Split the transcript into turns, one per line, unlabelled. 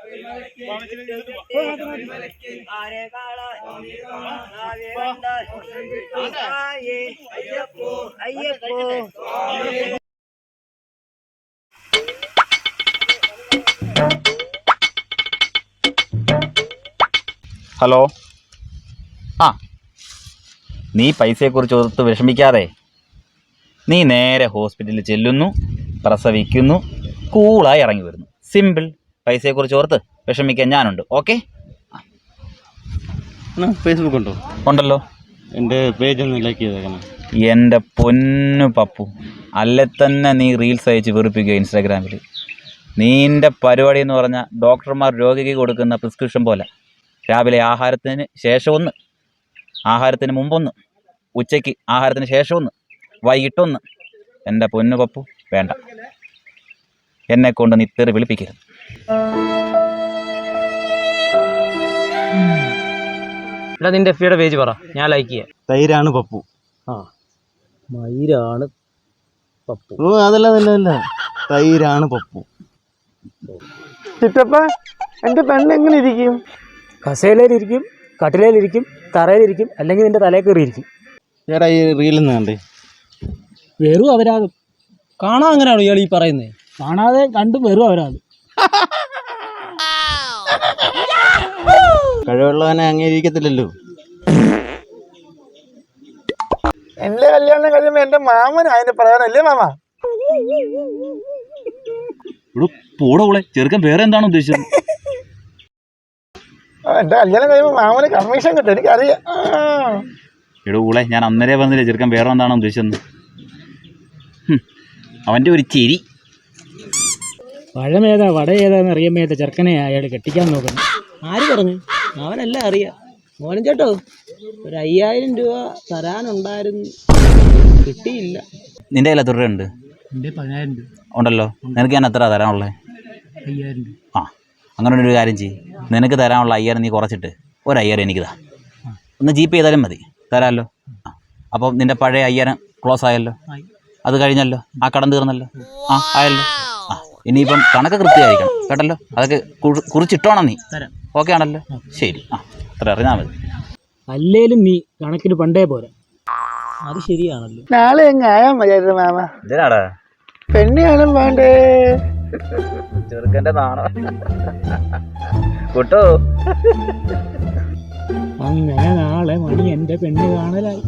Hello. ആ, നീ പൈസയെക്കുറിച്ച് ഓർത്ത് വിഷമിക്കാതെ നീ നേരെ ഹോസ്പിറ്റലിൽ ചെല്ലുന്നു, പ്രസവിക്കുന്നു, കൂളായി ഇറങ്ങി വരുന്നു. സിമ്പിൾ. പൈസയെക്കുറിച്ച് ഓർത്ത് വിഷമിക്കാൻ ഞാനുണ്ട്. ഓക്കെ.
ഫേസ്ബുക്ക് ഉണ്ടോ?
ഉണ്ടല്ലോ.
എൻ്റെ പേജ് ഒന്ന് ലൈക്ക് ചെയ്തേക്കണം.
എൻ്റെ പൊന്നു പപ്പു, അല്ലെ തന്നെ നീ റീൽസ് അയച്ച് വെറുപ്പിക്കുക ഇൻസ്റ്റാഗ്രാമിൽ. നീൻ്റെ പരിപാടി എന്ന് പറഞ്ഞാൽ ഡോക്ടർമാർ രോഗിക്ക് കൊടുക്കുന്ന പ്രിസ്ക്രിപ്ഷൻ പോലെ രാവിലെ ആഹാരത്തിന് ശേഷമൊന്ന്, ആഹാരത്തിന് മുമ്പൊന്ന്, ഉച്ചയ്ക്ക് ആഹാരത്തിന് ശേഷമൊന്ന്, വൈകിട്ടൊന്ന്. എൻ്റെ പൊന്നു പപ്പു വേണ്ട, എന്നെക്കൊണ്ട് നീ തെറി വിളിപ്പിക്കരുത്.
എടാ നിന്റെ എഫ് പേജ് പറ, ഞാൻ ലൈക്ക് ചെയ്യാം.
തൈരാണ് പപ്പു.
ആ, മയിലാണ് പപ്പു.
ഓ അതല്ല തൈരാണ് പപ്പു.
ചിറ്റപ്പ, എൻ്റെ പെണ്ണ് എങ്ങനെ ഇരിക്കും?
കസേലയിലിരിക്കും, കട്ടിലയിലിരിക്കും, തറയിലിരിക്കും, അല്ലെങ്കിൽ നിന്റെ തലയിൽ കയറിയിരിക്കും.
ചേട്ടാ ഈ റീലെന്ന് കണ്ടേ?
വെറും അവരാകും. കാണാൻ അങ്ങനെയാണോ ഇയാൾ ഈ പറയുന്നത്? കാണാതെ കണ്ടും വെറും അവരാകും.
കഴിവുള്ളവനെ അംഗീകരിക്കത്തില്ലല്ലോ.
എൻ്റെ കല്യാണം കഴിയുമ്പോൾ എൻ്റെ മാമന് അതിന് പറയാനല്ലേ മാമ?
പോടോളെ, ചെറുക്കൻ വേറെ എന്താണ് ഉദ്ദേശിച്ചത്?
എൻ്റെ കല്യാണം കഴിയുമ്പോൾ മാമന് കമ്മീഷൻ കിട്ടും, എനിക്കറിയാം.
എടൂളെ, ഞാൻ അന്നേരെ വന്നില്ലേ ചെറുക്കൻ വേറെ എന്താണ് ഉദ്ദേശിച്ചത്? അവൻ്റെ ഒരു ചിരി.
പഴമേതാ വട ഏതാന്ന് അറിയാൻ മേത്ത ചെറുക്കനെ അയാൾ കെട്ടിക്കാൻ നോക്കണം. ആര് പറഞ്ഞു? അവനെല്ലാം അറിയാം. മോനും ചേട്ടോ, ഒരു 5000 രൂപ തരാനുണ്ടായിരുന്നു, കിട്ടിയില്ല.
നിൻ്റെ കയ്യിൽ എത്ര രൂപയുണ്ട്?
എൻ്റെ 10000 രൂപ
ഉണ്ടല്ലോ. നിനക്ക് ഞാൻ എത്ര തരാനുള്ളത്?
5000 രൂപ.
ആ, അങ്ങനെ ഒരു കാര്യം ചെയ്യും. നിനക്ക് തരാനുള്ള 5000 നീ കുറച്ചിട്ട് ഒരു 5000 എനിക്ക് താ. ഒന്ന് ജീപ്പ് ചെയ്താലും മതി, തരാമല്ലോ. ആ, അപ്പം നിൻ്റെ പഴയ 5000 ക്ലോസ് ആയല്ലോ. അത് കഴിഞ്ഞല്ലോ, ആ കടം തീർന്നല്ലോ. ആ, ആയല്ലോ. ആ, ഇനിയിപ്പം കണക്ക് കൃത്യമായിരിക്കണം കേട്ടല്ലോ. അതൊക്കെ കുറിച്ചിട്ടോണം നീ. ഓക്കെ ആണല്ലോ? ശരി. ആ, അത്ര അറിഞ്ഞാൽ മതി.
അല്ലേലും നീ കണക്കിന് പണ്ടേ പോരാ. അത് ശരിയാണല്ലോ.
നാളെ എങ്ങ് ആയാൽ മതിയായിരുന്നു മാമ.
ഇതിനാടാ
പെണ്ണ് കാണാൻ വേണ്ടേ?
ചെറുക്കൻ്റെ നാണോ കൂട്ടോ.
അങ്ങനെ നാളെ മണി എൻ്റെ പെണ്ണ് കാണലായി.